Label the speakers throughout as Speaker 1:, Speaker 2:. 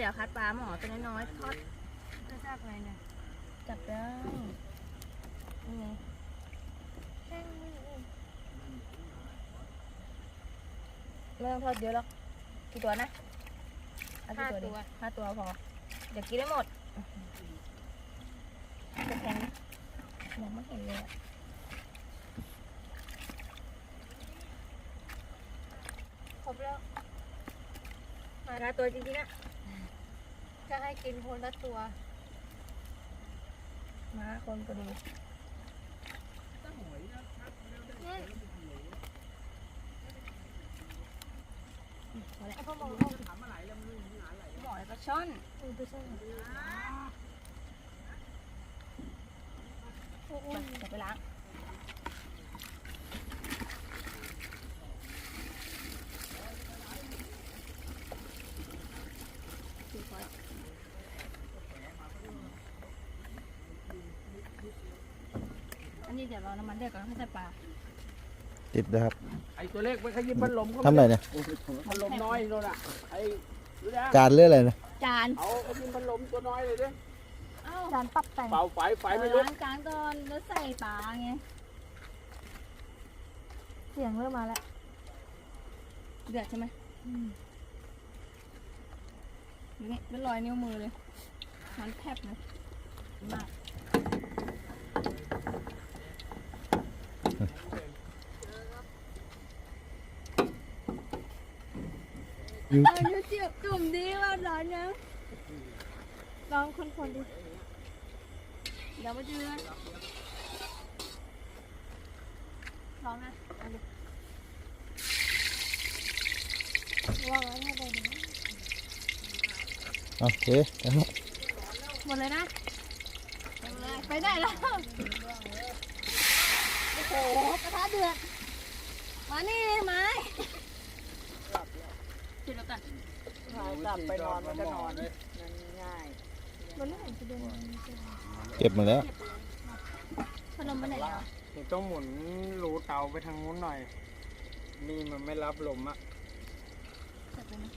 Speaker 1: ดี๋ยวคัดปลาหมอตัวน้อยๆทอด
Speaker 2: จะจับอะไรเนี่ย
Speaker 1: จับได้นี่ไงไม่ต้องทอดเยอะหรอกกี่ตัวนะเอากี่ตัวดิ5 ตัวพอเดี๋ยวกินได้หมดจะแข็งมองไม่เห็นเลยอะครบแล้วมาตัวจริงๆอะ
Speaker 2: จะให้กินคนละตัว
Speaker 1: มาคนก็ดีพอแล้ว
Speaker 2: พ่อบอก
Speaker 1: หมอแล้วก็ช่อน
Speaker 2: ไปใช่ไหม
Speaker 1: เดี๋ยวไปล้างอันนี้เดี๋ยวเราน้ำมันเดือดก่อนให้ใส่ปลา
Speaker 3: ติดนะครับ
Speaker 4: ไอ้ตัวเล็กไปขยิบพัดลม
Speaker 3: ทำอะไรเนี่ย
Speaker 4: พัดลมน้อยโน่นอ่ะไอ้ดูนะ
Speaker 3: จานเรื่องอะไรนะ
Speaker 1: จาน
Speaker 4: เอาขยิบพัดลมตัวน้อยเลยดิ
Speaker 1: เอ้า
Speaker 2: จานปรับแต่ง
Speaker 4: เป่าไฟไม่ลุก
Speaker 1: ล้างจานก่อนแล้วใส่ปลาไง
Speaker 2: เสียงเริ่มมาแล้ว
Speaker 1: เดือดใช่ไหมนี่เป็นรอยนิ้วมือเลยมันแทบนะมากอายุเจียบจุ่มดีว่าร้อนยัง
Speaker 2: ลองคนๆดิ
Speaker 1: เดี๋ยวมาเจอลองนะ
Speaker 2: ว่าไว้ให้ได้ดี
Speaker 3: โอเคแล้ว
Speaker 1: หมดเลยนะหมดเลยไปได้แล้ว โอ้โหกระทะเดือด มานี่ไม้จุดแล้วกัน
Speaker 4: กลับไปนอนมันจะนอนเลยง่าย
Speaker 2: มันไม่เห็นจะเดิน
Speaker 3: เก็บมาแล้ว
Speaker 1: พนมไปไหนแล้ว
Speaker 4: เดี๋ยวต้องหมุนรูเตาไปทางนู้นหน่อย นี่มันไม่รับลมอ่ะ
Speaker 1: จัดเลยนะ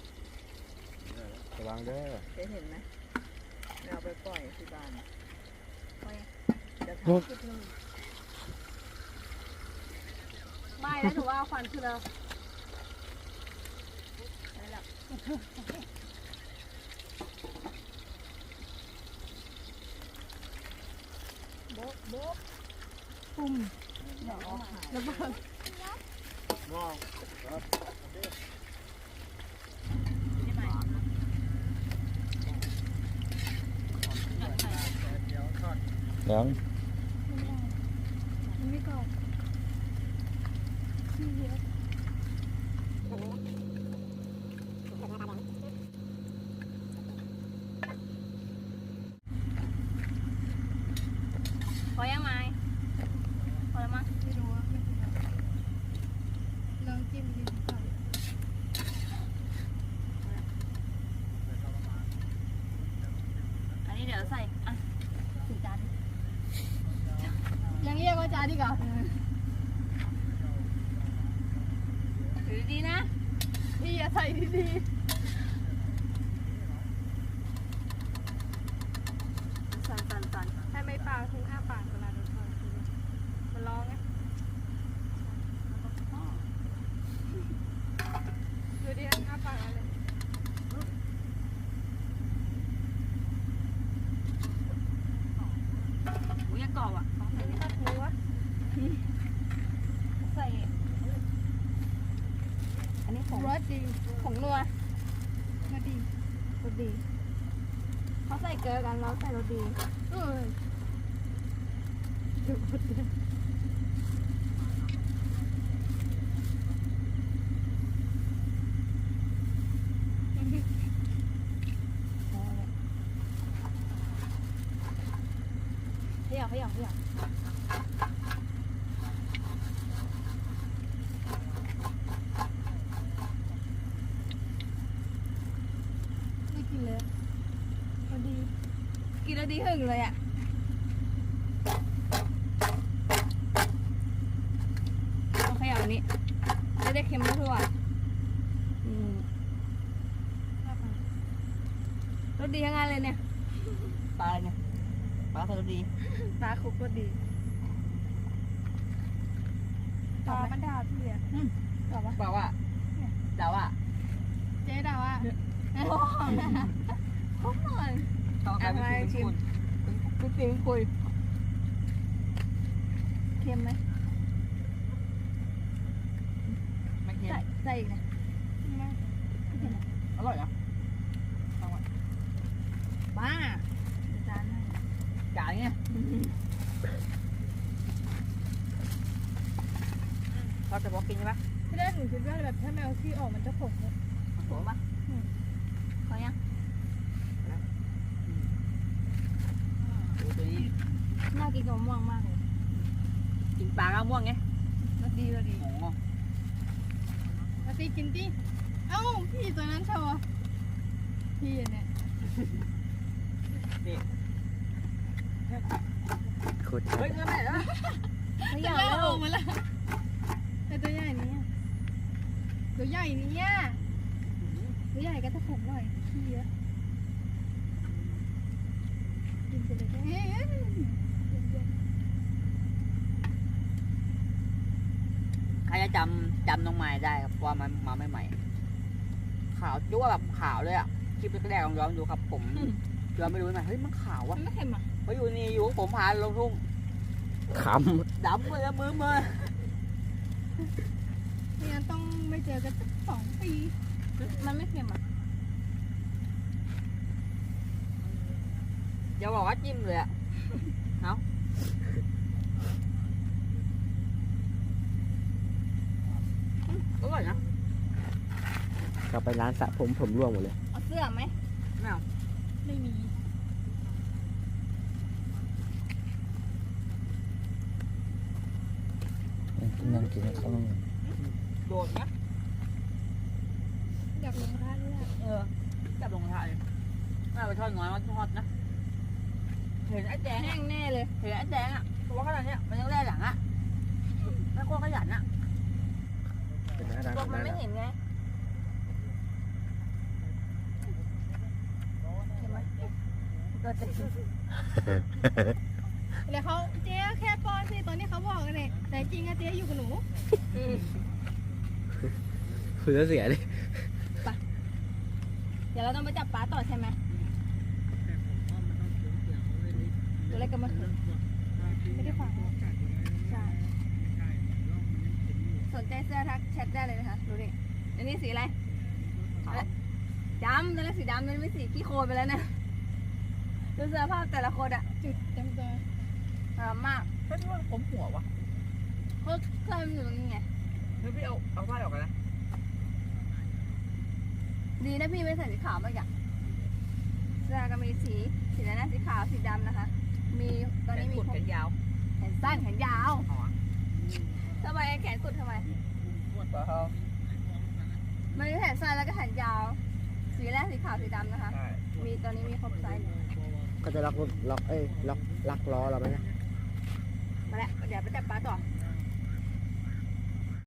Speaker 3: ระวังเด้อ
Speaker 5: เคยเห็นไหมเอาไปปล่อยที่บ้าน
Speaker 1: ไป
Speaker 5: จะท
Speaker 1: ไม่แล้วหนูว่าเอาควันคือเราไปแล้วโบ๊ะโบ๊ะปุ่มเดี๋ยวแล้วก็
Speaker 4: มอง
Speaker 3: ยัง
Speaker 2: มันไม่กรอบที่เยอะ
Speaker 1: พอยังไหมพอแล้วมั้ง
Speaker 2: ไม่รู้ว่าไม่เป็นไรลองจิ้มดิก่อน
Speaker 1: อันนี้เดี๋ยวใส่อ่ะถึงจาน
Speaker 2: ยังเรียกว่าจานดีกว่า
Speaker 1: ถือดีนะ
Speaker 2: พี่อย่าใส่ดี
Speaker 1: สั่น
Speaker 2: ๆให้ไม่ปากถึงอ้าปากเวลาโดนทอดมันร้องไงดูดิอ้าปากอะไร
Speaker 1: หมูยากรอบอ่ะต้องใส่
Speaker 2: ตัดเนื้อ
Speaker 1: ใส่อันนี้ของ
Speaker 2: รสดี
Speaker 1: ของนัว
Speaker 2: รสดี
Speaker 1: รสดีเขาใส่เกลือกันเราใส่รสดี
Speaker 2: เออดูรสดี
Speaker 1: เขย่าเขย่าเขย่า
Speaker 2: ไม่กินเลยรสดี
Speaker 1: กินแล้วดีหึงเลยอ่ะเอาเขย่าอันนี้จะได้เค็มทั่วๆ
Speaker 2: อ้าปาก
Speaker 1: สดีทั้งนั้นเลยเนี่ย
Speaker 5: ปลาอะไรเนี่ยปลาสารดี
Speaker 1: ปลาคุกรสดีปลามันดาวพี่อ่ะตอบปะ
Speaker 5: บอกว่าเดาว่า
Speaker 2: เจ๊ดาวอ่ะ
Speaker 1: คุกหน่อย
Speaker 5: ต้องการไปชิม
Speaker 1: คุกจริงคุยเค็มไหม
Speaker 5: ไม่เค็ม
Speaker 1: ใส่อีกนะ
Speaker 5: อร่อยนะ
Speaker 1: บ้าจานให้
Speaker 5: จ่ายเนี่ยเราจะบอกกินใช่ไหม
Speaker 2: ที่แรกหนูคิดว่าแบบถ้าแมวขี้ออกมันจะขมเลย
Speaker 1: โหปะขอยัง
Speaker 5: ดูตัวนี้
Speaker 1: น่ากินกับมะม่วงมากเลย
Speaker 5: กินปลากระม่วงไง
Speaker 1: รสดีรสดี
Speaker 5: โอ้โห
Speaker 2: มาตีกินตีเอ้าพี่ตัวนั้นโชว์พี่เนี่ย
Speaker 3: โคตร
Speaker 5: เฮ้ยเงินไหนแล้ว
Speaker 1: ไม่
Speaker 2: ตั
Speaker 1: อ
Speaker 2: วย
Speaker 1: าก
Speaker 2: ใหญ่
Speaker 1: แล้
Speaker 2: อ
Speaker 1: ว
Speaker 2: อกมาแล้วแต่ตัวใหญ่นี้ตัวใหญ่นี้ตัวใหญ่ก็จะขมหน่อยขี้เยอะกินไปเลยเอ๊ะ
Speaker 5: ใครจะจำน้องไม้ได้ครับว่ามันมาใหม่ๆขาวจั่วแบบขาวเลยอ่ะคลิปแรกๆลองย้อนดูครับผมย้อนไม่รู้ไหมเฮ้ยมันขาว
Speaker 1: มั
Speaker 5: อ่ะ
Speaker 1: นไม่เค็มอ่ะ
Speaker 5: เพราะอยู่นี่อยู่ผมพาลงทุ่ง
Speaker 3: ข
Speaker 5: ดำเลยมือมือ
Speaker 2: ไม่งั้นต้องไม่เจอกันสัก2 ปี
Speaker 1: มันไม่เค็มอ่ะ
Speaker 5: อย่าบอกว่าจิ้มเลยอ่ะเอาอร่อยนะ
Speaker 3: ำกลับไปร้านสระผมร่วงหมดเลย
Speaker 1: เอาเสื้อไหม
Speaker 5: ไม่เอา
Speaker 2: ไม่มี
Speaker 3: นั่งกินข้าว
Speaker 5: โดดนะ
Speaker 2: อยากลงท่าด้วย
Speaker 5: จับลงท้ายน่าไปทอดน้อยมันทอดนะเห็นไอ้แดง
Speaker 1: แห้งแน่เลย
Speaker 5: เห็นไอ้แดงอ่ะตัวขนาดเนี้ยมันยังแล่หลังอ่ะแล้วก็ขยันอ่ะ
Speaker 3: เป็นร้าน
Speaker 1: ตัวมันไม่เห็นไงเค็มไหมก็จะกิน
Speaker 2: แล้วเขาเจ๊แค่ป้อนสิตอนนี้เขาบอกกันเลยแต่จริงอะเจ๊อยู่กับหนู
Speaker 3: คือเสียเลย
Speaker 1: เดี๋ยวเราต้องไปจับปลาต่อใช่ไหมตัวเล็กก็มาขึ้น
Speaker 2: ไม่ได้ฟัง
Speaker 1: ใช่สนใจเสื้อทักแชทได้เลยนะคะดูดิอันนี้สีอะไรดำตอนแรกสีดำมันไม่สีขี้โคลนไปแล้วนะดูเสื้อผ้าแต่ละคนอะ
Speaker 2: จุดจำตัว
Speaker 1: มาก
Speaker 5: เฮ้ยมันผมหัววะ
Speaker 1: เพราะเคยมันอยู่ตรงนี้ไง
Speaker 5: เฮ้ยพี่เอาผ้าออกกันนะ
Speaker 1: ดีนะพี่ไม่ใส่สีขาวมากอย่างเสื้อก็มีสีอะไรนะสีขาวสีดำนะคะ มีตอนนี้มี
Speaker 5: ขุด
Speaker 1: ครบ
Speaker 5: แขนยาว
Speaker 1: แขนสั้นแขนยาว
Speaker 5: อ๋อ
Speaker 1: ทำไมแขนกุดทำไม
Speaker 5: เปล่า
Speaker 1: มันมีแขนสั้นแล้วก็แขนยาว สีแรกสีขาวสีดำนะคะ
Speaker 5: ใช่
Speaker 1: มีตอนนี้มีครบไซส์เลย
Speaker 3: ก็จะล็อกล้อเราไหมนะ
Speaker 1: มาแล้วเดี๋ยวไปจับปลาต่อ
Speaker 5: เ